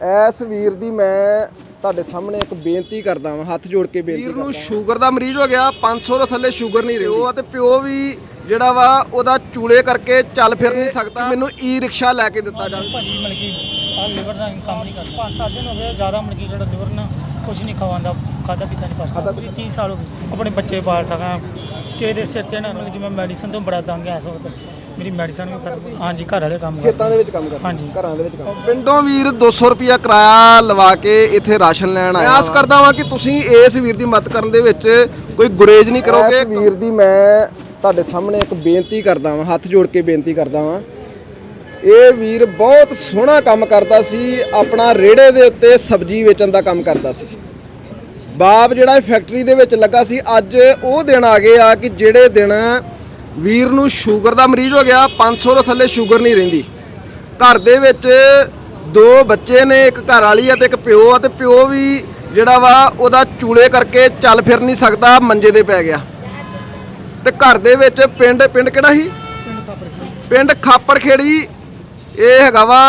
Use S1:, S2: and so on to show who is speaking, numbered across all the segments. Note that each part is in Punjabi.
S1: ਇਸ ਵੀਰ ਦੀ ਮੈਂ ਤੁਹਾਡੇ ਸਾਹਮਣੇ ਇੱਕ ਬੇਨਤੀ ਕਰਦਾ ਹਾਂ, ਹੱਥ ਜੋੜ ਕੇ ਬੇਨਤੀ ਵੀਰ ਨੂੰ ਸ਼ੂਗਰ ਦਾ ਮਰੀਜ਼ ਹੋ ਗਿਆ, 500 ਤੋਂ ਥੱਲੇ ਸ਼ੂਗਰ ਨਹੀਂ ਰਹੀ। ਉਹ ਤੇ ਪਿਓ ਵੀ ਜਿਹੜਾ ਵਾ ਉਹਦਾ ਚੂਲੇ ਕਰਕੇ ਚੱਲ ਫਿਰ ਨਹੀਂ ਸਕਦਾ। ਮੈਨੂੰ ਈ ਰਿਕਸ਼ਾ ਲੈ ਕੇ ਦਿੱਤਾ ਜਾਵੇ।
S2: ਭਾਜੀ ਮਲਕੀ ਆ ਲਿਵਰ ਦਾ ਕੰਮ ਨਹੀਂ ਕਰਦਾ। 5-7 ਦਿਨ ਹੋ ਗਏ ਜ਼ਿਆਦਾ ਮਲਕੀ ਜਿਹੜਾ ਲਿਵਰ ਨਾ ਕੁਝ ਨਹੀਂ ਖਵਾਉਂਦਾ, ਖਾਦਾ ਪੀਤਾ ਨਹੀਂ ਪਸਦਾ। 30 ਸਾਲ ਹੋ ਗਏ ਆਪਣੇ ਬੱਚੇ ਪਾਲ ਸਕਾਂ ਕਿਸੇ ਦੇ ਸਿਰ ਤੇ ਨਾ ਮਤਲਬ ਕਿ ਮੈਂ ਮੈਡੀਸਨ ਤੋਂ ਬੜਾ ਤੰਗ ਐ। ਇਸ ਵਕਤ ਮੇਰੀ ਮੈਡੀਸਨ ਵੀ ਖਤਮ। ਹਾਂਜੀ ਘਰ ਵਾਲੇ ਕੰਮ
S1: ਖੇਤਾਂ ਦੇ ਵਿੱਚ ਕੰਮ ਕਰਦੇ।
S2: ਹਾਂਜੀ
S1: ਘਰਾਂ ਦੇ ਵਿੱਚ ਕੰਮ। ਪਿੰਡੋਂ ਵੀਰ 200 ਰੁਪਿਆ ਕਿਰਾਇਆ ਲਵਾ ਕੇ ਇੱਥੇ ਰਾਸ਼ਨ ਲੈਣ ਆਇਆ। ਆਸ ਕਰਦਾ ਵਾਂ ਕਿ ਤੁਸੀਂ ਇਸ ਵੀਰ ਦੀ ਮਦਦ ਕਰਨ ਦੇ ਵਿੱਚ ਕੋਈ ਗੁਰੇਜ਼ ਨਹੀਂ ਕਰੋਗੇ। ਇਸ ਵੀਰ ਦੀ ਮੈਂ ਤੁਹਾਡੇ ਸਾਹਮਣੇ ਇੱਕ ਬੇਨਤੀ ਕਰਦਾ ਵਾਂ, ਹੱਥ ਜੋੜ ਕੇ ਬੇਨਤੀ ਕਰਦਾ ਵਾਂ। ਇਹ ਵੀਰ ਬਹੁਤ ਸੋਹਣਾ ਕੰਮ ਕਰਦਾ ਸੀ, ਆਪਣਾ ਰੇੜੇ ਦੇ ਉੱਤੇ ਸਬਜ਼ੀ ਵੇਚਣ ਦਾ ਕੰਮ ਕਰਦਾ ਸੀ। ਬਾਪ ਜਿਹੜਾ ਫੈਕਟਰੀ ਦੇ ਵਿੱਚ ਲੱਗਾ ਸੀ। ਅੱਜ ਉਹ ਦਿਨ ਆ ਗਏ ਆ ਕਿ ਜਿਹੜੇ ਦਿਨ ਵੀਰ ਨੂੰ ਸ਼ੂਗਰ ਦਾ ਮਰੀਜ਼ ਹੋ ਗਿਆ, 500 ਤੋਂ ਥੱਲੇ ਸ਼ੂਗਰ ਨਹੀਂ ਰਹਿੰਦੀ। ਘਰ ਦੇ ਵਿੱਚ 2 ਬੱਚੇ ਨੇ, ਇੱਕ ਘਰ ਵਾਲੀ ਆ ਤੇ ਇੱਕ ਪਿਓ ਆ, ਤੇ ਪਿਓ ਵੀ ਜਿਹੜਾ ਵਾ ਉਹਦਾ ਚੂਲੇ ਕਰਕੇ ਚੱਲ ਫਿਰ ਨਹੀਂ ਸਕਦਾ, ਮੰਜੇ ਤੇ ਪੈ ਗਿਆ। ਤੇ ਘਰ ਦੇ ਵਿੱਚ ਪਿੰਡ ਕਿਹੜਾ ਸੀ? ਪਿੰਡ ਖਾਪੜ ਖੇੜੀ। ਇਹ ਹੈਗਾ ਵਾ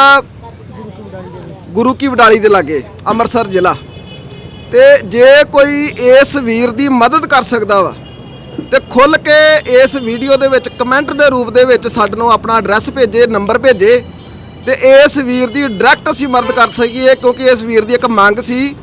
S1: ਗੁਰੂ ਕੀ ਵਡਾਲੀ ਦੇ ਲਾਗੇ, ਅੰਮ੍ਰਿਤਸਰ ਜ਼ਿਲ੍ਹਾ। ਤੇ ਜੇ ਕੋਈ ਇਸ ਵੀਰ ਦੀ ਮਦਦ ਕਰ ਸਕਦਾ ਵਾ ਤੇ ਖੁੱਲ ਕੇ ਇਸ ਵੀਡੀਓ ਦੇ ਵਿੱਚ ਕਮੈਂਟ ਦੇ ਰੂਪ ਦੇ ਵਿੱਚ ਸਾਨੂੰ ਆਪਣਾ ਐਡਰੈਸ ਭੇਜੇ, ਨੰਬਰ ਭੇਜੇ, ਤੇ ਇਸ ਵੀਰ ਦੀ ਡਾਇਰੈਕਟ ਅਸੀਂ ਮਦਦ ਕਰ ਸਕੀਏ। ਕਿਉਂਕਿ ਇਸ ਵੀਰ ਦੀ ਇੱਕ ਮੰਗ ਸੀ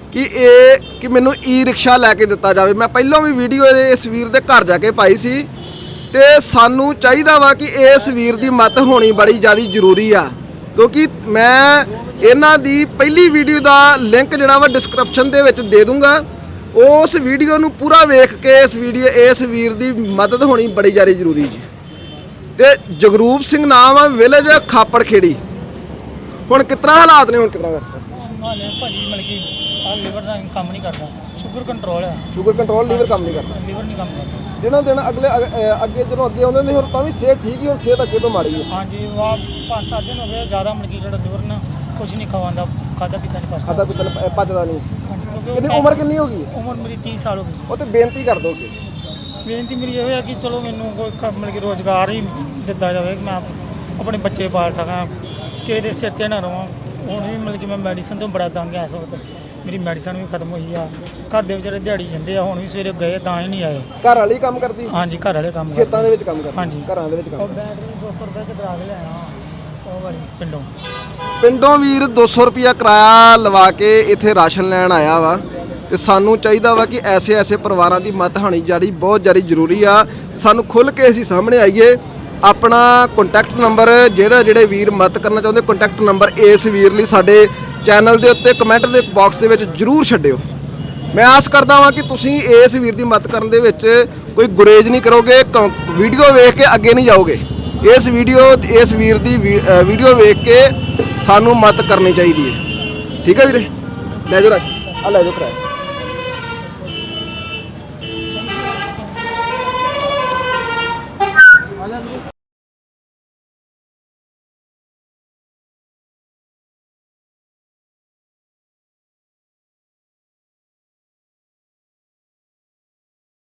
S1: ਕਿ ਮੈਨੂੰ ਈ ਰਿਕਸ਼ਾ ਲੈ ਕੇ ਦਿੱਤਾ ਜਾਵੇ। ਮੈਂ ਪਹਿਲਾਂ ਵੀ ਵੀਡੀਓ ਇਸ ਵੀਰ ਦੇ ਘਰ ਜਾ ਕੇ ਪਾਈ ਸੀ। ਤੇ ਸਾਨੂੰ ਚਾਹੀਦਾ ਵਾ ਕਿ ਇਸ ਵੀਰ ਦੀ ਮਦਦ ਹੋਣੀ ਬੜੀ ਜ਼ਿਆਦਾ ਜ਼ਰੂਰੀ ਆ। ਕਿਉਂਕਿ ਮੈਂ ਇਹਨਾਂ ਦੀ ਪਹਿਲੀ ਵੀਡੀਓ ਦਾ ਲਿੰਕ ਜਿਹੜਾ ਵਾ ਡਿਸਕ੍ਰਿਪਸ਼ਨ ਦੇ ਵਿੱਚ ਦੇ ਦੂੰਗਾ। ਉਸ ਵੀਡੀਓ ਨੂੰ ਪੂਰਾ ਵੇਖ ਕੇ ਇਸ ਵੀਰ ਦੀ ਮਦਦ ਹੋਣੀ ਬੜੀ ਜ਼ਿਆਦਾ ਜ਼ਰੂਰੀ ਜੀ। ਤੇ ਜਗਰੂਪ ਸਿੰਘ ਨਾਮ ਆ, ਵਿਲੇਜ ਖਾਪੜ ਖੇੜੀ। ਹੁਣ ਕਿਤਨਾ ਹਾਲਾਤ ਨੇ? ਹੁਣ ਕਿਤਨਾ
S2: ਭਾਜੀ ਮਲਕੀ ਆ ਲਿਵਰ ਦਾ ਕੰਮ ਨਹੀਂ ਕਰਦਾ। ਸ਼ੂਗਰ ਕੰਟਰੋਲ ਆ।
S1: ਸ਼ੂਗਰ ਕੰਟਰੋਲ, ਲੀਵਰ ਕੰਮ ਨਹੀਂ ਕਰਦਾ।
S2: ਲਿਵਰ ਨਹੀਂ ਕੰਮ ਕਰਦਾ।
S1: ਦਿਨੋਂ ਦਿਨ ਅੱਗੇ ਜਦੋਂ ਅੱਗੇ ਆਉਂਦੇ ਨੇ, ਹੋਰ ਤਾਂ ਵੀ ਸਿਹਤ ਠੀਕ ਹੀ, ਹੁਣ ਸਿਹਤ ਅੱਗੇ ਤੋਂ ਮਾੜੀ ਹੈ।
S2: ਹਾਂਜੀ ਵਾਹ 5-7 ਦਿਨ ਹੋ ਗਏ ਜ਼ਿਆਦਾ ਮਲਕੀ ਜਿਹੜਾ ਲਿਵਰ ਨਾ ਕੁਝ ਨਹੀਂ ਖਵਾਉਂਦਾ, ਖਾਦਾ ਪੀਤਾ ਨਹੀਂ ਪਸਦਾ।
S1: ਖਾਦਾ ਪੀਤਾ ਪਚਦਾ ਨਹੀਂ। ਕਿੰਨੀ ਉਮਰ ਕਿੰਨੀ ਹੋ ਗਈ?
S2: ਉਮਰ ਮੇਰੀ 30 ਸਾਲ ਹੋ ਗਈ।
S1: ਉਹ ਤੇ ਬੇਨਤੀ ਕਰ ਦੋਗੇ?
S2: ਬੇਨਤੀ ਮੇਰੀ ਇਹ ਹੈ ਕਿ ਚਲੋ ਮੈਨੂੰ ਕੋਈ ਮਤਲਬ ਕਿ ਰੋਜ਼ਗਾਰ ਹੀ ਦਿੱਤਾ ਜਾਵੇ ਕਿ ਮੈਂ ਆਪਣੇ ਬੱਚੇ ਪਾਲ ਸਕਾਂ, ਕਿਸੇ ਦੇ ਸਿਰ ਤੇ ਨਾ ਰਹਾਂ। ਹੁਣ ਵੀ ਮਤਲਬ ਕਿ ਮੈਂ ਮੈਡੀਸਨ ਤੋਂ ਬੜਾ ਤੰਗ ਐ। ਇਸ ਵਕਤ ਮੇਰੀ ਮੈਡੀਸਨ ਵੀ ਖਤਮ ਹੋਈ ਆ। ਘਰ ਦੇ ਵਿਚਾਰੇ ਦਿਹਾੜੀ ਜਾਂਦੇ ਆ, ਹੁਣ ਵੀ ਸਵੇਰੇ ਗਏ ਤਾਂ ਹੀ ਨਹੀਂ ਆਏ।
S1: ਘਰ ਵਾਲੀ ਕੰਮ ਕਰਦੀ?
S2: ਹਾਂਜੀ ਘਰ ਵਾਲੇ ਕੰਮ
S1: ਖੇਤਾਂ ਦੇ ਵਿੱਚ ਕੰਮ ਕਰਦੀ?
S2: ਹਾਂਜੀ
S1: ਘਰਾਂ ਦੇ ਵਿੱਚ ਕੰਮ।
S2: ਬੈਟਰੀ 200 ਰੁਪਏ ਚ ਕਰਾ ਕੇ ਲਿਆਇਆ ਉਹ ਵਾਲੀ
S1: ਪਿੰਡੋਂ ਵੀਰ 200 ਰੁਪਿਆ ਕਿਰਾਇਆ ਲਵਾ ਕੇ ਇੱਥੇ ਰਾਸ਼ਨ ਲੈਣ ਆਇਆ ਵਾ। ਤੇ ਸਾਨੂੰ ਚਾਹੀਦਾ ਵਾ ਕਿ ਐਸੇ ਪਰਿਵਾਰਾਂ ਦੀ ਮਦਦ ਹੋਣੀ ਬਹੁਤ ਜ਼ਿਆਦਾ ਜ਼ਰੂਰੀ ਆ। ਸਾਨੂੰ ਖੁੱਲ੍ਹ ਕੇ ਅਸੀਂ ਸਾਹਮਣੇ ਆਈਏ। ਆਪਣਾ ਕੰਟੈਕਟ ਨੰਬਰ ਜਿਹੜੇ ਵੀਰ ਮਦਦ ਕਰਨਾ ਚਾਹੁੰਦੇ, ਕੰਟੈਕਟ ਨੰਬਰ ਇਸ ਵੀਰ ਲਈ ਸਾਡੇ ਚੈਨਲ ਦੇ ਉੱਤੇ ਕਮੈਂਟ ਦੇ ਬਾਕਸ ਦੇ ਵਿੱਚ ਜ਼ਰੂਰ ਛੱਡਿਓ। ਮੈਂ ਆਸ ਕਰਦਾ ਹਾਂ ਕਿ ਤੁਸੀਂ ਇਸ ਵੀਰ ਦੀ ਮਦਦ ਕਰਨ ਦੇ ਵਿੱਚ ਕੋਈ ਗੁਰੇਜ਼ ਨਹੀਂ ਕਰੋਗੇ। ਵੀਡੀਓ ਵੇਖ ਕੇ ਅੱਗੇ ਨਹੀਂ ਜਾਓਗੇ। ਇਸ ਵੀਰ ਦੀ ਵੀਡੀਓ ਵੇਖ ਕੇ ਸਾਨੂੰ ਮਦਦ ਕਰਨੀ ਚਾਹੀਦੀ ਹੈ। ਠੀਕ ਹੈ ਵੀਰੇ? ਲੈ ਜਾਓ ਰਾਜ, ਆ ਲੈ ਜਾਓ ਕਿਰਾਇਆ।